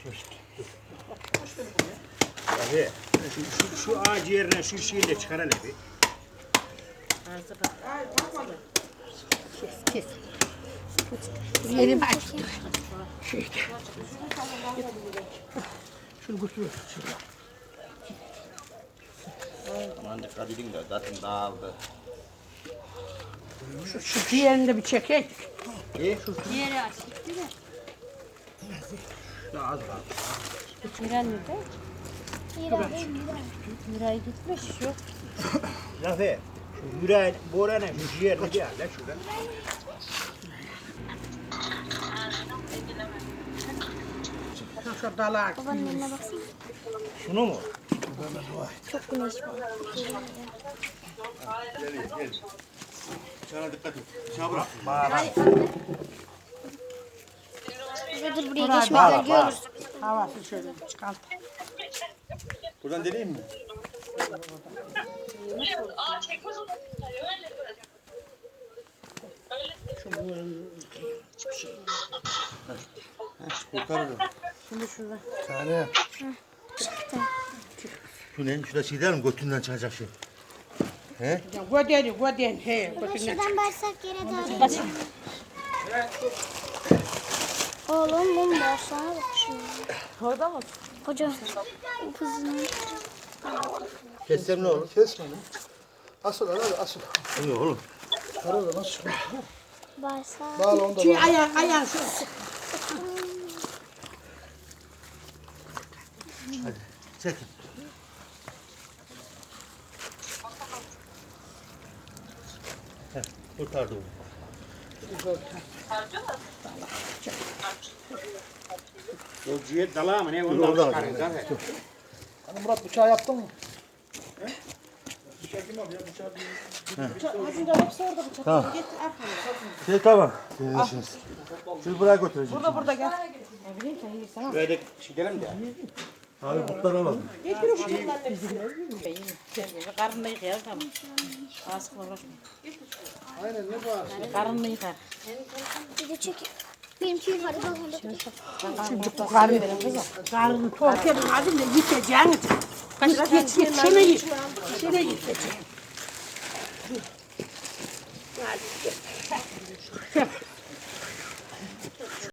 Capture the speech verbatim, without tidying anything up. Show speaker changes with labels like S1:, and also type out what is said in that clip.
S1: Abi şu, şu, şu ağacı yerine şu şeyi de çıkar hele bir.
S2: Kes kes. Yerim aç. Şunu götür.
S1: Aman dikkat edin de zaten dağıldı.
S2: Şu, şu diğerini de bir çekek.
S1: İyi.
S3: Diğeri aç. Değil mi?
S1: Daha az kaldı.
S3: Miran nerede? Miray gitmiş. Yok.
S1: Zafer, şu yüreğin, boranın şu ciğerini bir al lan şuradan.
S2: Şu, şu dala.
S4: Babanın eline baksana.
S1: Şunu mu?
S4: Çok güneş var.
S5: Sana dikkat et. Şuna bırak.
S4: Hayır anne. Bize dur buraya geçmeden görürüz.
S2: Havası şöyle çıkart.
S5: Buradan deneyeyim mi? Kurtarırım.
S2: Şimdi şurada.
S5: Tane. Şu ne? Şurada şey der mi? Götünden çıkacak şey. He?
S2: Gödeni gödeni. He. Götüne.
S4: Şuradan bağırsak yere doğru. Oğlum mum var sana bak şimdi.
S3: Orada mı?
S4: Hocam. Kızını.
S5: Kessem ne olur?
S6: Kesme lan. Asıl hadi asıl.
S5: Yok oğlum.
S6: Karada nasıl?
S4: Bağırsak.
S6: Bağla onu da
S2: Şu
S6: bağla.
S2: ayağı ayağı şu.
S5: Çekin. Heh, kurtardı onu.
S1: O ciğer dalağı mı ne?
S5: Dur,
S1: Ondan
S5: oradan
S1: çıkarın
S5: alayım.
S1: Zafer.
S6: Hani Murat bıçağı yaptın mı?
S5: Tamam. Şey tamam. Sizin işiniz. Siz buraya götüreceğim.
S2: Burada burada gel.
S1: Böyle gidelim de.
S5: Abi kurtlar alalım.
S3: Karnını yıkayalım tamam. Askıla uğraşma.
S6: Aynen ne bağır?
S3: Karnını yıkar.
S4: Bir de çek. Benimki yukarıda onda.
S2: Şimdi bu karnı. Karnı tok yerin adıyla yiyeceğiniz. Geç geç geç. Şunu yiyeceğim. Şunu yiyeceğim.